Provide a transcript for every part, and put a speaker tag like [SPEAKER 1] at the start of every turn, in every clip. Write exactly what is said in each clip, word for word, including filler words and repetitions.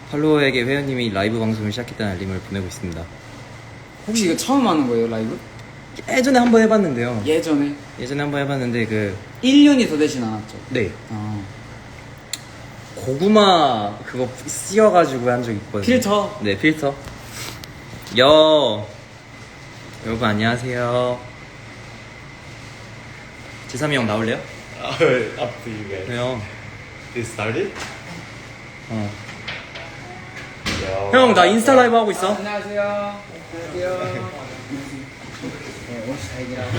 [SPEAKER 1] 팔로워에게 회원님이 라이브 방송을 시작했다는 알림을 보내고 있습니다.
[SPEAKER 2] 혹시 이거 처음 하는 거예요, 라이브?
[SPEAKER 1] 예전에 한번 해봤는데요.
[SPEAKER 2] 예전에?
[SPEAKER 1] 예전에 한번 해봤는데 그
[SPEAKER 2] 일 년이 더 되진 않았죠?
[SPEAKER 1] 네.
[SPEAKER 2] 아.
[SPEAKER 1] 고구마 그거 씌워가지고 한 적 있거든요.
[SPEAKER 2] 필터?
[SPEAKER 1] 네, 필터. 여 여러분 안녕하세요. 제삼이 형 나올래요?
[SPEAKER 3] Uh, up to you guys.
[SPEAKER 1] 왜요?
[SPEAKER 3] It started?
[SPEAKER 1] 어.
[SPEAKER 3] Yo.
[SPEAKER 1] 형, 나 인스타 라이브 하고 있어.
[SPEAKER 2] 아, 안녕하세요. 안녕하세요. 네, 옷이 다이기라고.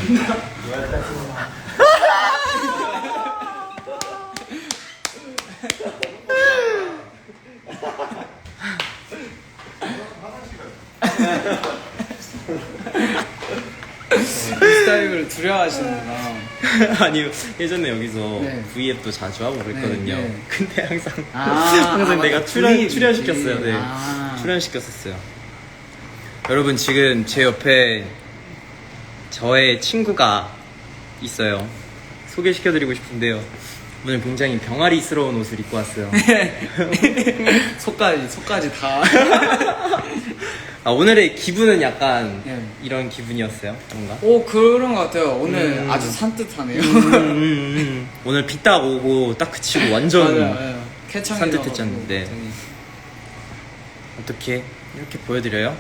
[SPEAKER 2] 스타일을 두려워하시는구나.
[SPEAKER 1] 아니 예전에 여기서
[SPEAKER 2] 네.
[SPEAKER 1] V앱도 자주 하고 그랬거든요.
[SPEAKER 2] 네, 네.
[SPEAKER 1] 근데 항상
[SPEAKER 2] 아,
[SPEAKER 1] 항상
[SPEAKER 2] 아,
[SPEAKER 1] 내가
[SPEAKER 2] 맞다.
[SPEAKER 1] 출연
[SPEAKER 2] V앱
[SPEAKER 1] 출연
[SPEAKER 2] 있지.
[SPEAKER 1] 시켰어요. 네,
[SPEAKER 2] 아.
[SPEAKER 1] 출연 시켰었어요. 여러분 지금 제 옆에 저의 친구가 있어요. 소개시켜드리고 싶은데요. 오늘 굉장히 병아리스러운 옷을 입고 왔어요.
[SPEAKER 2] 속까지, 속까지 다.
[SPEAKER 1] 아, 오늘의 기분은 약간
[SPEAKER 2] 네.
[SPEAKER 1] 이런 기분이었어요. 뭔가.
[SPEAKER 2] 오, 그런 것 같아요. 오늘
[SPEAKER 1] 음.
[SPEAKER 2] 아주 산뜻하네요.
[SPEAKER 1] 음, 음, 음. 오늘 비 딱 오고 딱 그치고 완전
[SPEAKER 2] 맞아요, 맞아요. 쾌청이
[SPEAKER 1] 산뜻했잖는데.
[SPEAKER 2] 나가지고 되게.
[SPEAKER 1] 어떻게 이렇게 보여드려요?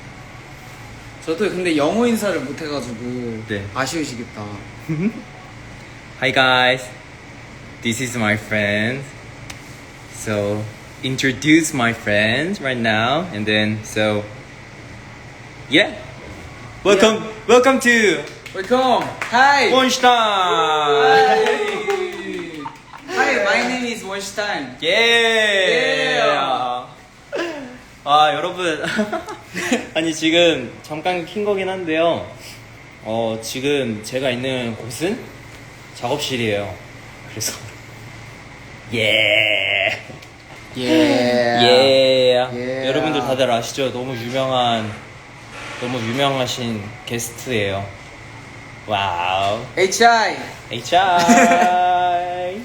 [SPEAKER 2] 저도 근데 영어 인사를 못 해가지고
[SPEAKER 1] 네.
[SPEAKER 2] 아쉬우시겠다.
[SPEAKER 1] Hi guys, this is my friend. So introduce my friends right now, and then so yeah, welcome,
[SPEAKER 2] Yeah.
[SPEAKER 1] welcome to
[SPEAKER 2] Welcome. Hi.
[SPEAKER 1] Wonstein.
[SPEAKER 2] Hi, my name is Wonstein.
[SPEAKER 1] Yeah.
[SPEAKER 2] Yeah.
[SPEAKER 1] 아 여러분, 아니 지금 잠깐 킨 거긴 한데요. 어 지금 제가 있는 곳은 작업실이에요. 그래서 예.
[SPEAKER 2] 예.
[SPEAKER 1] 예.
[SPEAKER 2] 예.
[SPEAKER 1] 여러분들 다들 아시죠? 너무 유명한, 너무 유명하신 게스트예요. 와우.
[SPEAKER 2] H I.
[SPEAKER 1] H I.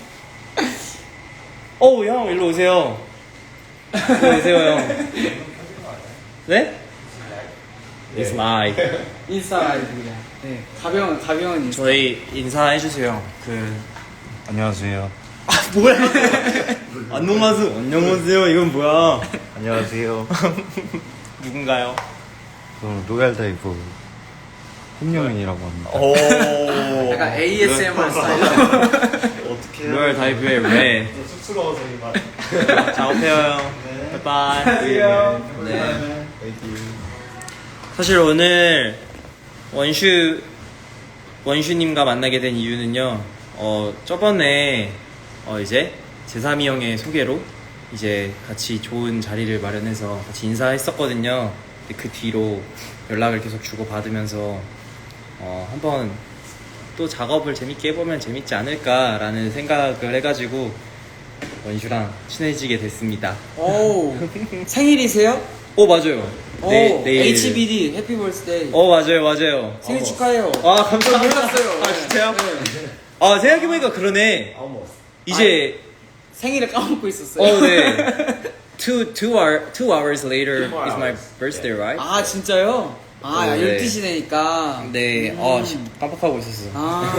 [SPEAKER 1] 오, 형, 일로 오세요. 일로 오세요, 형. 네? It's live.
[SPEAKER 2] 인싸 아이들이야. 네. 가병은 가병은 인싸.
[SPEAKER 1] 저희 인사해주세요. 그,
[SPEAKER 3] 안녕하세요.
[SPEAKER 1] 아, 뭐야? 안녕하세요. 안녕하세요. 이건 뭐야?
[SPEAKER 3] 안녕하세요.
[SPEAKER 1] 누군가요?
[SPEAKER 3] 저는 로얄 다이브 홍영민이라고 합니다.
[SPEAKER 1] 오.
[SPEAKER 2] 약간 에이에스엠알 스타일.
[SPEAKER 3] 어떻게
[SPEAKER 1] 로얄 다이브의 왜?
[SPEAKER 3] 쑥스러워서 이 말.
[SPEAKER 1] 작업해요, 형.
[SPEAKER 3] 네.
[SPEAKER 1] 바이바이.
[SPEAKER 3] 안녕하세요.
[SPEAKER 1] 네.
[SPEAKER 3] 땡큐.
[SPEAKER 1] 사실 오늘 원슈 원슈님과 만나게 된 이유는요. 어 저번에 어 이제 제삼이 형의 소개로 이제 같이 좋은 자리를 마련해서 같이 인사했었거든요. 근데 그 뒤로 연락을 계속 주고 받으면서 어 한번 또 작업을 재밌게 해보면 재밌지 않을까라는 생각을 해가지고 원슈랑 친해지게 됐습니다.
[SPEAKER 2] 오. 생일이세요?
[SPEAKER 1] 오 맞아요.
[SPEAKER 2] 오.
[SPEAKER 1] 네, 내일.
[SPEAKER 2] 에이치비디 해피 벌스데이.
[SPEAKER 1] 어 맞아요 맞아요.
[SPEAKER 2] 생일
[SPEAKER 1] 어.
[SPEAKER 2] 축하해요.
[SPEAKER 1] 아 감사합니다.
[SPEAKER 2] 몰랐어요.
[SPEAKER 1] 아 진짜요?
[SPEAKER 2] 네.
[SPEAKER 1] 아 생각해보니까 그러네. 이제
[SPEAKER 2] 생일을 까먹고 있었어요.
[SPEAKER 1] 어 네. two two hour two hours later
[SPEAKER 3] Two
[SPEAKER 1] is my
[SPEAKER 3] hours.
[SPEAKER 1] birthday, right?
[SPEAKER 2] 아 진짜요? 아
[SPEAKER 1] 어, 네.
[SPEAKER 2] 열두 시 되니까.
[SPEAKER 1] 네.
[SPEAKER 2] 음.
[SPEAKER 1] 어 씨, 깜빡하고 있었어.
[SPEAKER 2] 아.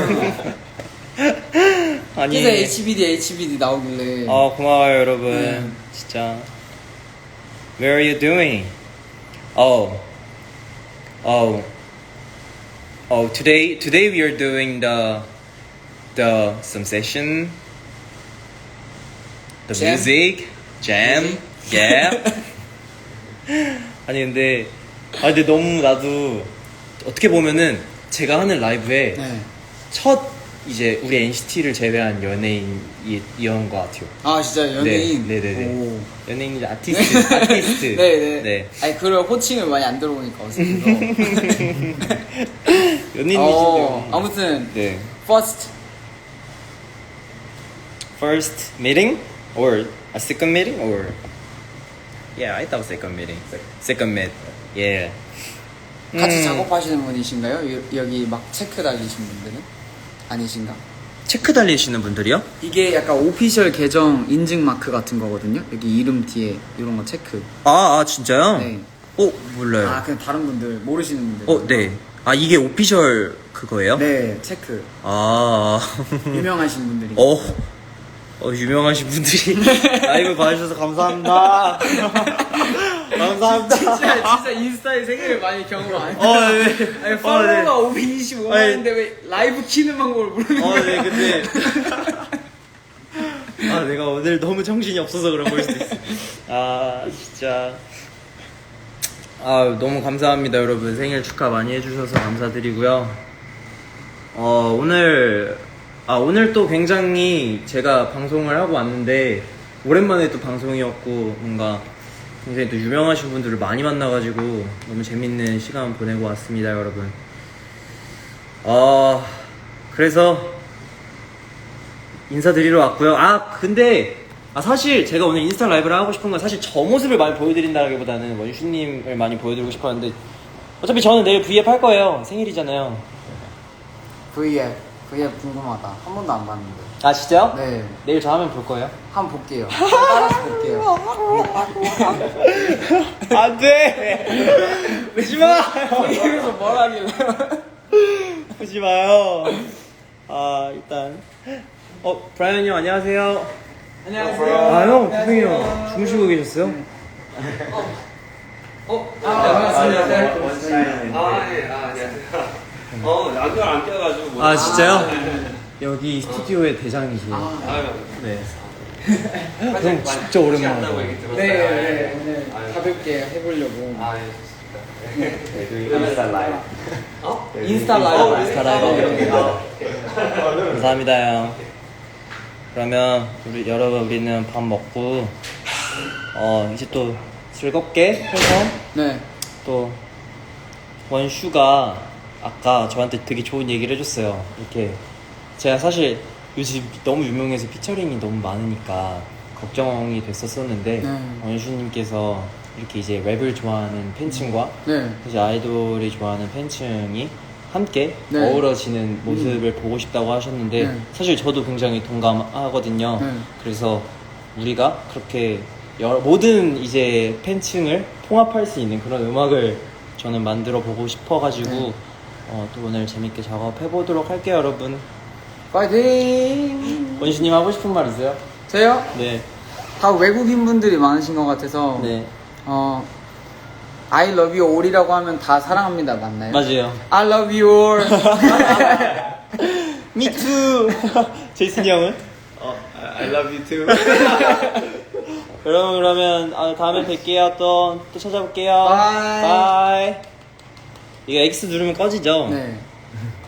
[SPEAKER 1] 아니.
[SPEAKER 2] 그래서 에이치비디 에이치비디 나오길래.
[SPEAKER 1] 어 고마워요 여러분.
[SPEAKER 2] 네.
[SPEAKER 1] 진짜. Where are you doing? Oh. Oh. Oh today today we are doing the the some session. The
[SPEAKER 2] Jam?
[SPEAKER 1] music, jam,
[SPEAKER 2] Music?
[SPEAKER 1] yeah. 아니 근데 아 근데 너무 나도 어떻게 보면은 제가 하는 라이브에
[SPEAKER 2] 네.
[SPEAKER 1] 첫 이제 우리 엔시티를 제외한 연예인이었던 것 같아요.
[SPEAKER 2] 아 진짜 연예인.
[SPEAKER 1] 네, 네, 네, 네.
[SPEAKER 2] 오.
[SPEAKER 1] 연예인 이제 아티스트, 아티스트.
[SPEAKER 2] 네네.
[SPEAKER 1] 네.
[SPEAKER 2] 아니 그런 호칭을 많이 안 들어보니까 어색해서.
[SPEAKER 1] 연예인이시죠.
[SPEAKER 2] 어, 아무튼
[SPEAKER 1] 네.
[SPEAKER 2] first.
[SPEAKER 1] First meeting or a second meeting or yeah, I thought second meeting. Second meet. Yeah.
[SPEAKER 2] 같이
[SPEAKER 1] 음.
[SPEAKER 2] 작업하시는 분이신가요? 여, 여기 막 체크 달리신 분들은? 아니신가?
[SPEAKER 1] 체크 달리시는 분들이요?
[SPEAKER 2] 이게 약간 오피셜 계정 인증 마크 같은 거거든요. 여기 이름 뒤에 이런 거 체크.
[SPEAKER 1] 아, 아 진짜요?
[SPEAKER 2] 네.
[SPEAKER 1] 어 몰라요.
[SPEAKER 2] 아 그냥 다른 분들 모르시는 분들.
[SPEAKER 1] 어 네. 아 이게 오피셜 그거예요?
[SPEAKER 2] 네 체크.
[SPEAKER 1] 아.
[SPEAKER 2] 유명하신 분들이.
[SPEAKER 1] 어. 어 유명하신 분들이 라이브 봐주셔서 감사합니다. 감사합니다.
[SPEAKER 2] 진짜 진짜 인스타에 생일을 많이 경험 안 했어요.
[SPEAKER 1] 어, 네.
[SPEAKER 2] 아니
[SPEAKER 1] 어,
[SPEAKER 2] 팔로워가
[SPEAKER 1] 네.
[SPEAKER 2] 오백이십오만인데 왜 라이브 키는 방법을 모르는
[SPEAKER 1] 어,
[SPEAKER 2] 거야?
[SPEAKER 1] 네, 근데. 아, 내가 오늘 너무 정신이 없어서 그런 걸 수도 있어. 아, 진짜. 아, 너무 감사합니다, 여러분. 생일 축하 많이 해주셔서 감사드리고요. 어, 오늘, 아, 오늘 또 굉장히 제가 방송을 하고 왔는데, 오랜만에 또 방송이었고, 뭔가 굉장히 또 유명하신 분들을 많이 만나가지고, 너무 재밌는 시간 보내고 왔습니다, 여러분. 어, 그래서, 인사드리러 왔고요. 아 근데 아 사실 제가 오늘 인스타 라이브를 하고 싶은 건 사실 저 모습을 많이 보여드린다기보다는 원슈님을 많이 보여드리고 싶었는데 어차피 저는 내일 브이앱 할 거예요. 생일이잖아요.
[SPEAKER 2] 브이앱 브이앱 궁금하다. 한 번도 안 봤는데.
[SPEAKER 1] 아 진짜요?
[SPEAKER 2] 네.
[SPEAKER 1] 내일 저 하면 볼 거예요.
[SPEAKER 2] 한번 볼게요. 따라서 볼게요.
[SPEAKER 1] 안돼. 보지 마.
[SPEAKER 2] 브이앱에서 뭘 하길래?
[SPEAKER 1] 보지 마요. 아 일단 어 브라이언 형 안녕하세요.
[SPEAKER 2] 안녕하세요.
[SPEAKER 1] 아 형 구승이 형 주무시고 계셨어요?
[SPEAKER 2] 어? 아, 반갑습니다.
[SPEAKER 4] 아, 네, 아, 안녕하세요. 어, 안경 안 껴가지고. 뭐-
[SPEAKER 1] 아 진짜요?
[SPEAKER 4] 아, 네, 네.
[SPEAKER 1] 여기 스튜디오의 대장이시네요.
[SPEAKER 4] 아유,
[SPEAKER 1] 네.
[SPEAKER 4] 살짝
[SPEAKER 1] 형
[SPEAKER 4] 많이
[SPEAKER 1] 진짜 오랜만에
[SPEAKER 4] 취한다고 얘기 들었어요.
[SPEAKER 2] 네,
[SPEAKER 4] 아,
[SPEAKER 2] 네, 오늘
[SPEAKER 4] 아유.
[SPEAKER 2] 가볍게 해보려고.
[SPEAKER 4] 아, 예, 좋습니다.
[SPEAKER 3] 인스타 라이브.
[SPEAKER 4] 어?
[SPEAKER 2] 인스타 라이브.
[SPEAKER 1] 인스타 라이브. 감사합니다 형. 그러면 우리 여러분 우리는 밥 먹고 어 이제 또 즐겁게 해서
[SPEAKER 2] 네.
[SPEAKER 1] 또 원슈가 아까 저한테 되게 좋은 얘기를 해줬어요. 이렇게 제가 사실 요즘 너무 유명해서 피처링이 너무 많으니까 걱정이 됐었었는데
[SPEAKER 2] 네.
[SPEAKER 1] 원슈님께서 이렇게 이제 랩을 좋아하는 팬층과
[SPEAKER 2] 네.
[SPEAKER 1] 이제 아이돌이 좋아하는 팬층이 함께
[SPEAKER 2] 네.
[SPEAKER 1] 어우러지는 모습을 보고 싶다고 하셨는데
[SPEAKER 2] 네.
[SPEAKER 1] 사실 저도 굉장히 동감하거든요.
[SPEAKER 2] 네.
[SPEAKER 1] 그래서 우리가 그렇게 여러, 모든 이제 팬층을 통합할 수 있는 그런 음악을 저는 만들어 보고 싶어가지고
[SPEAKER 2] 네.
[SPEAKER 1] 어, 또 오늘 재밌게 작업해 보도록 할게요, 여러분.
[SPEAKER 2] 파이팅!
[SPEAKER 1] 원슈님 하고 싶은 말 있어요?
[SPEAKER 2] 저요?
[SPEAKER 1] 네,
[SPEAKER 2] 다 외국인 분들이 많으신 것 같아서.
[SPEAKER 1] 네,
[SPEAKER 2] 어, I love you all이라고 하면 다 사랑합니다. 맞나요?
[SPEAKER 1] 맞아요.
[SPEAKER 2] I love you all.
[SPEAKER 1] Me too. 제이슨 형은?
[SPEAKER 3] 어, I love you too.
[SPEAKER 1] 여러분 그러면 아, 다음에 뵐게요. 또, 또 찾아볼게요.
[SPEAKER 2] 바이.
[SPEAKER 1] 바이. 이거 X 누르면 꺼지죠?
[SPEAKER 2] 네.